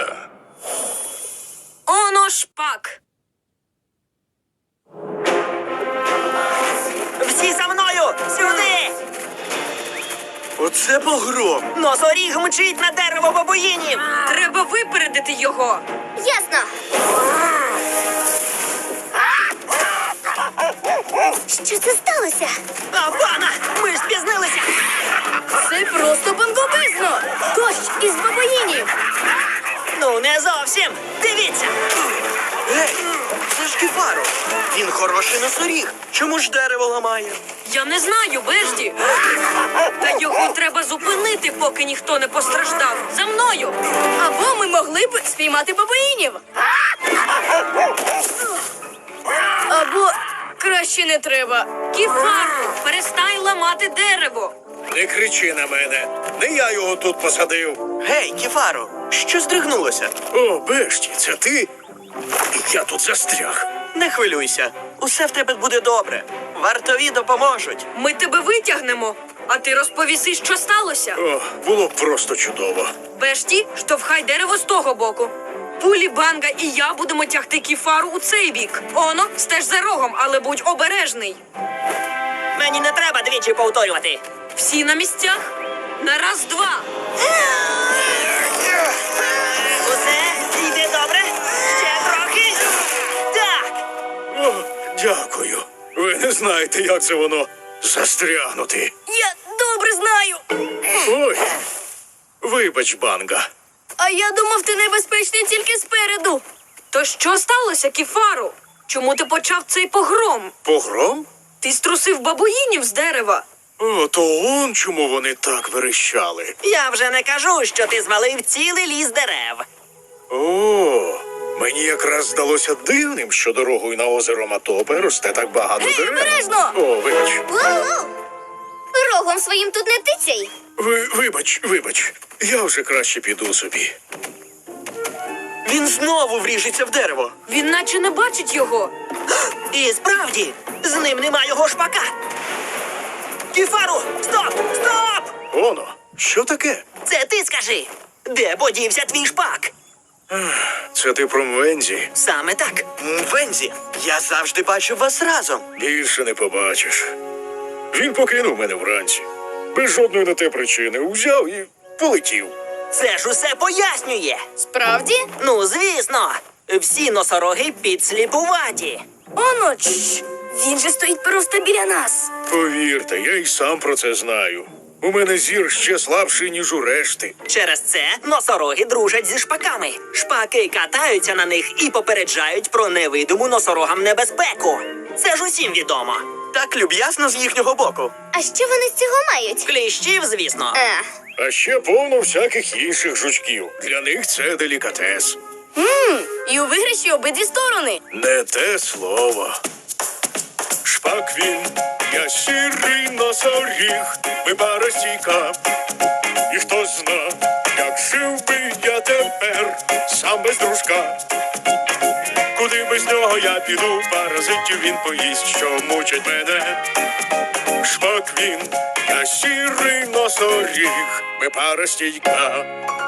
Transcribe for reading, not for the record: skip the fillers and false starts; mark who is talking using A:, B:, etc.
A: Оно шпак!
B: Всі за мною! Сюди!
C: Оце погром.
B: Носоріг мчить на дерево бабуїнів!
A: Треба випередити його!
D: Ясно. Що це сталося?
B: Афана! Ми ж спізнилися!
A: Це просто бомбовизно! Дощ із бабаїнів!
B: Ну, не зовсім! Дивіться!
C: Гей, це ж Кефаро. Він хороший носоріг. Чому ж дерево ламає?
A: Я не знаю, Бежді! Та його треба зупинити, поки ніхто не постраждав. За мною! Або ми могли б спіймати бабаїнів. Або краще не треба. Кефаро, перестань ламати дерево.
E: Не кричи на мене. Не я його тут посадив.
C: Гей, Кефаро, що здригнулося?
E: О, Бешті, це ти? Я тут застряг.
C: Не хвилюйся. Усе в тебе буде добре. Вартові допоможуть.
A: Ми тебе витягнемо, а ти розповіси, що сталося.
E: О, було б просто чудово.
A: Бешті, штовхай дерево з того боку. Пулі, Банга і я будемо тягти Кефару у цей бік. Оно, стеж за рогом, але будь обережний.
B: Мені не треба двічі повторювати!
A: Всі на місцях? На раз, два.
B: Усе йде добре? Ще трохи? Так!
E: О, дякую. Ви не знаєте, як це воно застрягнути.
A: Я добре знаю.
E: Ой, вибач, Банга.
A: А я думав, ти небезпечний тільки спереду. То що сталося, Кефару? Чому ти почав цей погром?
E: Погром?
A: Ти струсив бабуїнів з дерева.
E: О, то он чому вони так верещали.
B: Я вже не кажу, що ти звалив цілий ліс дерев.
E: О, мені якраз здалося дивним, що дорогою на озеро Матопе росте так багато
A: Гей,
E: дерев.
A: обережно!
E: О, вибач.
D: Воу-воу! Рогом своїм тут не тицяй.
E: Вибач. Я вже краще піду собі.
C: Він знову вріжеться в дерево.
A: Він наче не бачить його.
B: І справді, з ним нема його шпака. Кефару, стоп! Стоп!
E: Оно, що таке?
B: Це ти скажи. Де подівся твій шпак?
E: Це ти про Мвензі?
B: Саме так.
C: Вензі, я завжди бачив вас разом.
E: Більше не побачиш. Він покинув мене вранці. Без жодної на те причини. Узяв і полетів.
B: Це ж усе пояснює.
A: Справді?
B: Ну, звісно. Всі носороги підсліпуваті.
A: Оно, він же стоїть просто біля нас.
E: Повірте, я й сам про це знаю. У мене зір ще слабший, ніж у решти.
B: Через це носороги дружать зі шпаками. Шпаки катаються на них і попереджають про невидиму носорогам небезпеку. Це ж усім відомо.
C: Так люб'язно з їхнього боку.
D: А що вони з цього мають?
B: Кліщів, звісно.
E: А ще повно всяких інших жучків. Для них це делікатес.
A: І у виграші обидві сторони.
E: Не те слово. Шпак він, я сірий носоріг, ми пара стійка. І хто зна, як жив би я тепер, сам без дружка. Куди без нього я піду, паразитів він поїсть, що мучать мене. Шпак він, я сірий носоріг, ми пара стійка.